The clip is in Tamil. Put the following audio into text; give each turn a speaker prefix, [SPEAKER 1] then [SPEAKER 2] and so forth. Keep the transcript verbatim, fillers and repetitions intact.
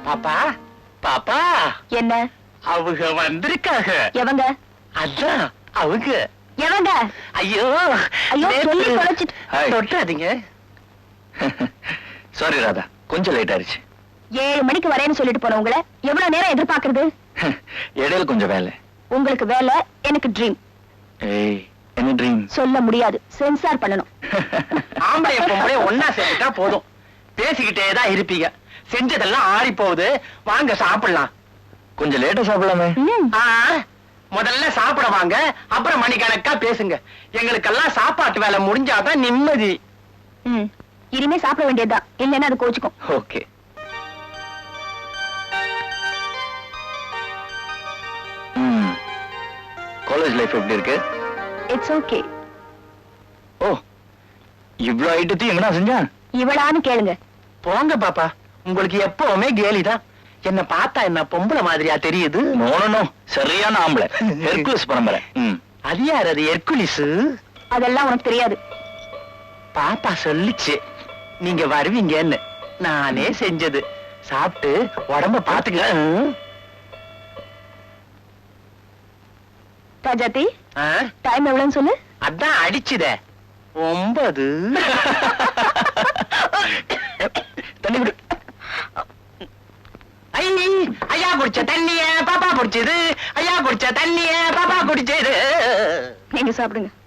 [SPEAKER 1] பாப்பா பாப்பா
[SPEAKER 2] என்ன
[SPEAKER 1] அவங்க வந்திருக்காங்க.
[SPEAKER 2] எவங்க
[SPEAKER 1] அதான் அவங்க.
[SPEAKER 2] எவங்க?
[SPEAKER 1] ஐயோ
[SPEAKER 2] ஐயோ சொல்லி தொலைச்சிட்டு.
[SPEAKER 1] தொட்டாதீங்க.
[SPEAKER 3] சாரி ராதா, கொஞ்சம் லேட் ஆயிடுச்சு.
[SPEAKER 2] ஏழு மணிக்கு வரேன்னு சொல்லிட்டு போனவங்கள எவ்வளவு நேரம் எதிர்பார்க்கறது?
[SPEAKER 3] இடையில கொஞ்சம் வேலை.
[SPEAKER 2] உங்களுக்கு வேலை, எனக்கு ட்ரீம்.
[SPEAKER 3] ஏய், என்ன ட்ரீம்?
[SPEAKER 2] சொல்ல முடியாது, சென்சார் பண்ணணும்.
[SPEAKER 1] ஆம்பளை பொம்பளை ஒன்னா சேர்ந்துட்டா போதும், பேசிக்கிட்டே தான் இருப்பீங்க. செஞ்சதெல்லாம் ஆறி போகுது, வாங்க சாப்பிடலாம்.
[SPEAKER 3] கொஞ்சம் லேட்டா சாப்பிடலாமே.
[SPEAKER 1] ஆ, முதல்ல சாப்பிட வாங்க, அப்புறம் மணிக்கணக்கா பேசுங்க. எங்களுக்கெல்லாம் சாப்பாட்டு வேலை முடிஞ்சாதான் நிம்மதி.
[SPEAKER 2] ம், இனிமே சாப்பிட வேண்டியதுதான், இல்லைன்னா அது கோச்சுக்கும்.
[SPEAKER 3] ஓகே. காலேஜ் லைஃப் எப்படி இருக்கு?
[SPEAKER 2] It's okay.
[SPEAKER 3] ஓ, இவ்ளோ ஐட்டத்தையும் எங்கடா செஞ்சா?
[SPEAKER 2] இவளான்னு கேளுங்க.
[SPEAKER 1] போங்க பாப்பா, உங்களுக்கு எப்பவுமே கேலிதான். என்ன பார்த்தா என்ன பொம்பளை மாதிரியா தெரியுது?
[SPEAKER 3] நோ நோ நோ, சரியான ஆம்பளை, ஹெர்குலஸ் பரம்பரை. ம்.
[SPEAKER 1] அது யார்? அது ஹெர்குலிஸ்.
[SPEAKER 2] அதெல்லாம் உனக்கு தெரியாது.
[SPEAKER 1] பாப்பா சொல்லிச்சு நீங்க வருவீங்கன்னு. நானே செஞ்சது. சாப்பிட்டு உடம்ப பாத்துக்க.
[SPEAKER 2] ராஜாத்தி,
[SPEAKER 1] ஆ?
[SPEAKER 2] டைம் எவ்வளவுன்னு சொல்லு.
[SPEAKER 1] அதான் அடிச்சுதே, ஒன்பது.
[SPEAKER 3] தண்ணி விடு.
[SPEAKER 1] ஐ, ஐயா குடிச்ச தண்ணிய பாப்பா குடிச்சது. ஐயா குடிச்ச தண்ணிய பாப்பா குடிச்சது.
[SPEAKER 2] நீங்க சாப்பிடுங்க.